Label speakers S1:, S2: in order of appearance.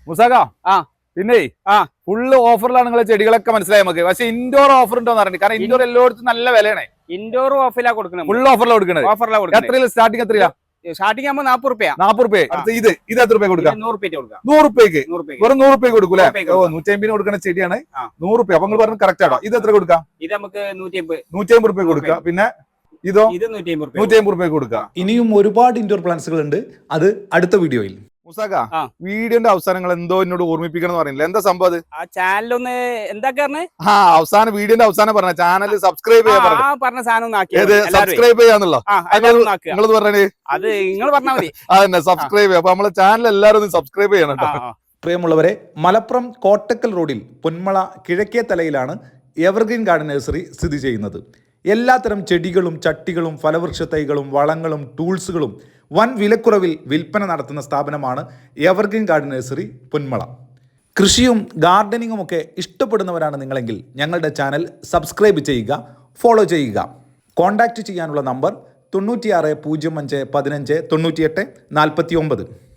S1: മുസാക
S2: ആ
S1: പിന്നെ ഫുള്ള് ഓഫറിലാണ് നിങ്ങളെ ചെടികളൊക്കെ മനസ്സിലായി നമുക്ക്. പക്ഷെ ഇൻഡോർ ഓഫർ ഉണ്ടോന്ന് അറിയണ്ട. കാരണം ഇൻഡോർ എല്ലായിടത്തും നല്ല വിലയാണ്.
S2: ഇൻഡോർ ഓഫറിലാ കൊടുക്കുന്നത്.
S1: ഫുൾ ഓഫറിലാണ് കൊടുക്കുന്നത്. എത്രയില്ല സ്റ്റാർട്ടിങ്? എത്രയാ
S2: സ്റ്റാർട്ടിംഗ് ആകുമ്പോൾ 40 രൂപ.
S1: 40 രൂപ. ഇത് എത്ര രൂപ കൊടുക്കാം?
S2: 100 കൊടുക്കാം.
S1: 100 രൂപയ്ക്ക് വെറും 100 രൂപ കൊടുക്കൂലേ? 150 കൊടുക്കുന്ന ചെടിയാണ് 100 രൂപ. അപ്പൊ നിങ്ങൾ പറഞ്ഞ കറക്റ്റ് ആണോ? ഇത് എത്ര കൊടുക്കാം?
S2: ഇത് നമുക്ക്
S1: 150 രൂപ കൊടുക്കാം. പിന്നെ ഇതോ 150 രൂപ കൊടുക്കാം.
S3: ഇനിയും ഒരുപാട് ഇൻഡോർ പ്ലാന്റ്സുകൾ ഉണ്ട്. അത് അടുത്ത വീഡിയോയിൽ.
S1: മുസാക, വീഡിയോന്റെ അവസാനങ്ങൾ എന്തോ എന്നോട് ഓർമ്മിപ്പിക്കണം എന്ന് പറയുന്നില്ല. എന്താ സംഭവം?
S2: ആ ചാനലൊന്ന് എന്താ
S1: അവസാനം വീഡിയോന്റെ അവസാനം പറഞ്ഞ ചാനൽ സബ്സ്ക്രൈബ് ചെയ്യാൻ
S2: പറഞ്ഞ സാധനം
S1: സബ്സ്ക്രൈബ് ചെയ്യാന്നുള്ളോ? നിങ്ങളത് പറഞ്ഞേ.
S2: അത് നിങ്ങൾ പറഞ്ഞാൽ മതി.
S1: അതന്നെ സബ്സ്ക്രൈബ് ചെയ്യാം. അപ്പൊ നമ്മളെ ചാനൽ എല്ലാവരും ഒന്ന് സബ്സ്ക്രൈബ് ചെയ്യണം കേട്ടോ.
S3: പ്രിയമുള്ളവരെ, മലപ്പുറം കോട്ടക്കൽ റോഡിൽ പൊന്മള കിഴക്കേ തലയിലാണ് എവർഗ്രീൻ ഗാർഡൻ നഴ്സറി സ്ഥിതി ചെയ്യുന്നത്. എല്ലാത്തരം ചെടികളും ചട്ടികളും ഫലവൃക്ഷ തൈകളും വളങ്ങളും ടൂൾസുകളും വൻ വിലക്കുറവിൽ വിൽപ്പന നടത്തുന്ന സ്ഥാപനമാണ് എവർഗ്രീൻ ഗാർഡൻ നഴ്സറി പൊന്മള. കൃഷിയും ഗാർഡനിങ്ങും ഒക്കെ ഇഷ്ടപ്പെടുന്നവരാണ് നിങ്ങളെങ്കിൽ ഞങ്ങളുടെ ചാനൽ സബ്സ്ക്രൈബ് ചെയ്യുക, ഫോളോ ചെയ്യുക. കോൺടാക്റ്റ് ചെയ്യാനുള്ള നമ്പർ 96 05 15 98 49.